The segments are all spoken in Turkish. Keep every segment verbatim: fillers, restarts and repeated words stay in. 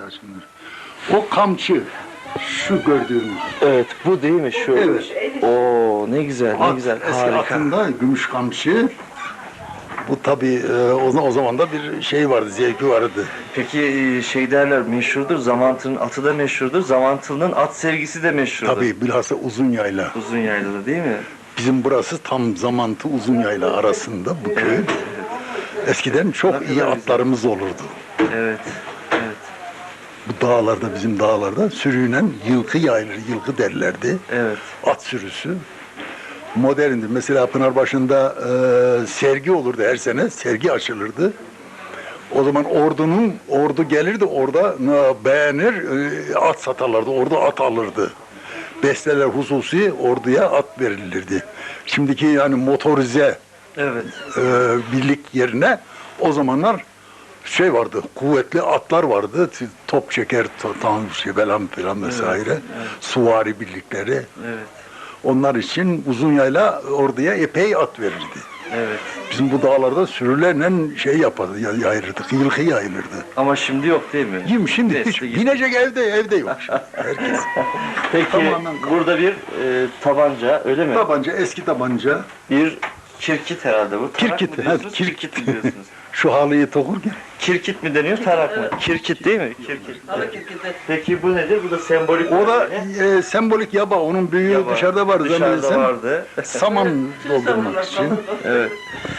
taşınır. O kamçı, şu gördüğümüz. Evet, bu değil mi şu? Evet. Oo, ne güzel, ne At, güzel, eski harika. atında gümüş kamçı. Bu tabii e, o, o zaman da bir şey vardı, zevki vardı. Peki e, şey derler, meşhurdur, Zamantı'nın atı da meşhurdur, Zamantı'nın at sevgisi de meşhurdur. Tabii bilhassa uzun yayla. Uzun yaylada değil mi? Bizim burası tam Zamantı uzun yayla arasında bu köy. Eskiden çok Ne iyi kadar güzel. atlarımız olurdu. Evet, evet, Bu dağlarda, bizim dağlarda sürünen yılkı yayılır, yılkı derlerdi. evet. At sürüsü. Moderndi. Mesela Pınarbaşı'nda e, sergi olurdu her sene, sergi açılırdı. O zaman ordunun, ordu gelirdi orada e, beğenir, e, at satarlardı, ordu at alırdı. Besteler hususi orduya at verilirdi. Şimdiki yani motorize Evet. e, birlik yerine o zamanlar şey vardı, kuvvetli atlar vardı, top çeker, tank şey falan filan vesaire, evet. suvari birlikleri. Evet, Onlar için uzun yayla orduya epey at verirdi. evet. Bizim bu dağlarda sürülerle şey yapardı, ya- yayılırdı, yılkı yayılırdı. Ama şimdi yok değil mi? Yim şimdi Nesli hiç gitti. binecek evde evde yok şimdi. Herkes. Peki Tamamen- burada bir e, tabanca öyle mi? Tabanca, eski tabanca, Bir kirkit herhalde bu. Tarak kirkit, mı ha, diyorsunuz? kirkit. Kirkit mi diyorsunuz? Şu halıyı tokurken. Kirkit mi deniyor, tarak mı? Kirkit değil mi? Kirkit. Peki bu nedir? Bu da sembolik. O da böyle. e, sembolik yaba, onun büyüğü Yaba. dışarıda vardı. Dışarıda zannedersem. vardı. Saman doldurmak için. Evet.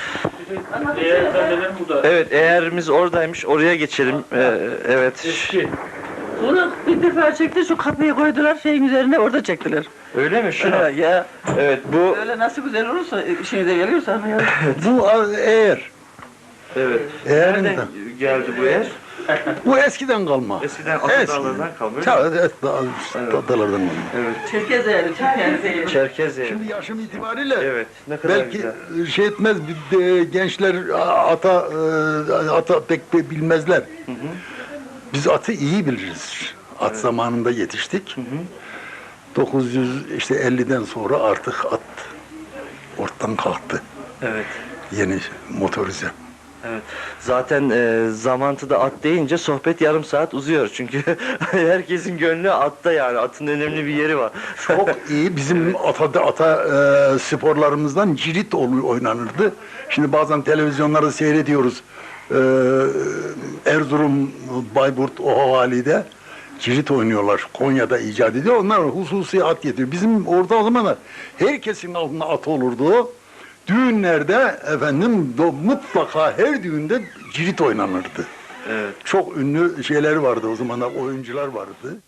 Evet, eğerimiz oradaymış. Oraya geçelim. Ee, evet. Bunu bir defa çekti, şu kapıyı koydular şeyin üzerine, orada çektiler. Öyle mi? Şunu. Ha, ya Evet, bu. öyle nasıl güzel olursa işinize geliyorsa ama ya. Bu a- eğer. Evet. Eğerin Nereden de. geldi bu eğer? Bu eskiden kalma. Eskiden Eskiden. atalardan kalma. öyle Ta, mi? evet, da, adalardan kalma. Evet. Çerkez yani, Çerkez yani. Çerkez eğer. Şimdi yaşım itibariyle Evet. Ne kadar belki güzel. şey etmez, bir de gençler ata e, ata pek de bilmezler. Biz atı iyi biliriz. At zamanında yetiştik. dokuz yüz işte elliden sonra artık at ortadan kalktı. Evet. Yeni motorize. Evet. Zaten e, Zamantı'da at deyince sohbet yarım saat uzuyor. Çünkü herkesin gönlü atta yani. Atın önemli bir yeri var. Çok iyi. Bizim ata, ata e, sporlarımızdan cirit ol- oynanırdı. Şimdi bazen televizyonlarda seyrediyoruz. E, Erzurum, Bayburt, o havalide cirit oynuyorlar. Konya'da icat ediyor. Onlar hususi at getiriyor. Bizim orada o zaman da herkesin altında at olurdu. Düğünlerde efendim do- mutlaka her düğünde cirit oynanırdı. Evet. Çok ünlü şeyler vardı o zamanlar, oyuncular vardı.